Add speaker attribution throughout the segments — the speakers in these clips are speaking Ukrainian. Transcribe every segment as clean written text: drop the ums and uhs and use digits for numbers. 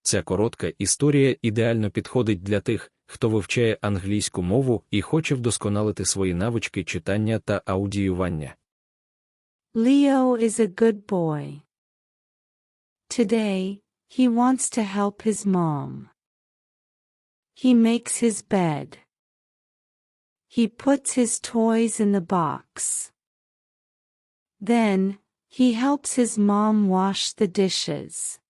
Speaker 1: Ця коротка історія ідеально підходить для тих, хто вивчає англійську мову і хоче вдосконалити свої навички читання та аудіювання.
Speaker 2: Leo is a good boy. Today, he wants to help his mom. He makes his bed. He puts his toys in the box. Then, he helps his mom wash the dishes.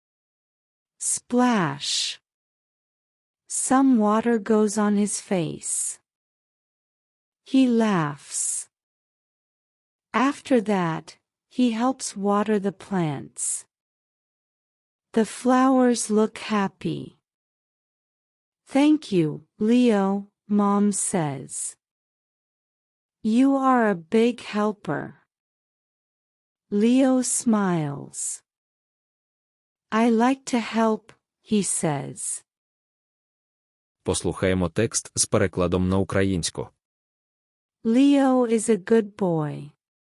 Speaker 2: Splash. Some water goes on his face. He laughs. After that, he helps water the plants. The flowers look happy. Thank you, Leo, Mom says. You are a big helper. Leo smiles. I like to help, he says.
Speaker 1: Послухаємо текст з перекладом на українську.
Speaker 2: Leo is a good boy.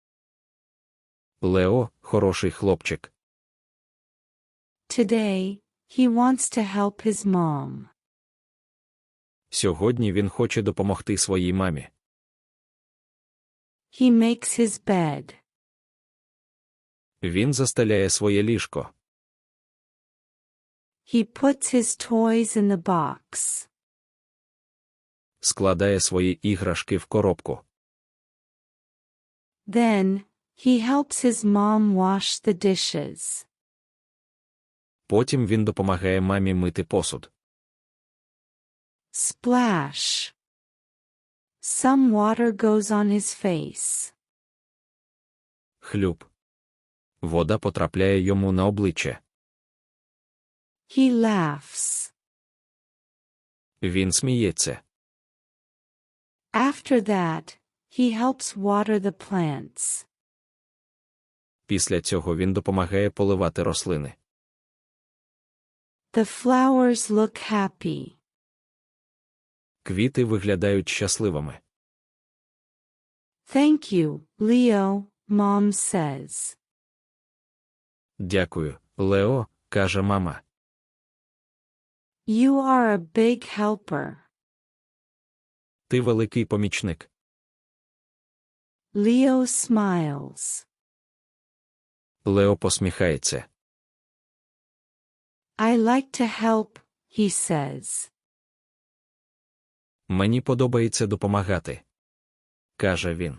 Speaker 1: Лео – хороший хлопчик.
Speaker 2: Today, he wants to help his mom.
Speaker 1: Сьогодні він хоче допомогти своїй мамі.
Speaker 2: He makes his bed.
Speaker 1: Він застеляє своє ліжко.
Speaker 2: He puts his toys in the box.
Speaker 1: Складає свої іграшки в коробку.
Speaker 2: Then, he helps his mom wash the dishes.
Speaker 1: Потім він допомагає мамі мити посуд.
Speaker 2: Splash. Some water goes on his face.
Speaker 1: Хлюп. Вода потрапляє йому на обличчя.
Speaker 2: He laughs.
Speaker 1: Він сміється.
Speaker 2: After that, he helps water the plants.
Speaker 1: Після цього він допомагає поливати рослини.
Speaker 2: The flowers look happy.
Speaker 1: Квіти виглядають щасливими.
Speaker 2: Thank you, Leo, Mom says.
Speaker 1: Дякую, Лео, каже мама.
Speaker 2: You are a big helper.
Speaker 1: Ти великий помічник.
Speaker 2: Leo smiles.
Speaker 1: Лео посміхається.
Speaker 2: I like to help, he says.
Speaker 1: Мені подобається допомагати, каже він.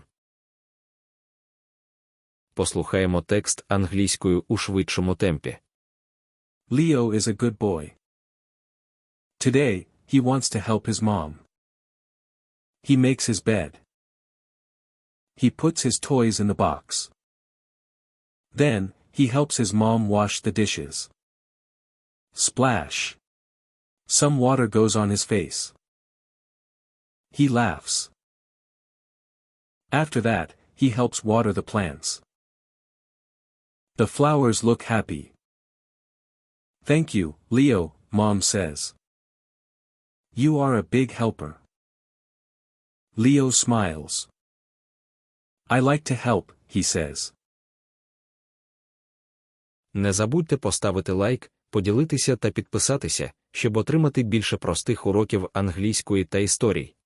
Speaker 1: Послухаємо текст англійською у швидшому темпі.
Speaker 3: Leo is a good boy. Today, he wants to help his mom. He makes his bed. He puts his toys in the box. Then, he helps his mom wash the dishes. Splash. Some water goes on his face. He laughs. After that, he helps water the plants. The flowers look happy. Thank you, Leo, Mom says. You are a big helper. Leo smiles. I like to help, he says.
Speaker 1: Не забудьте поставити лайк, поділитися та підписатися, щоб отримати більше простих уроків англійської та історій.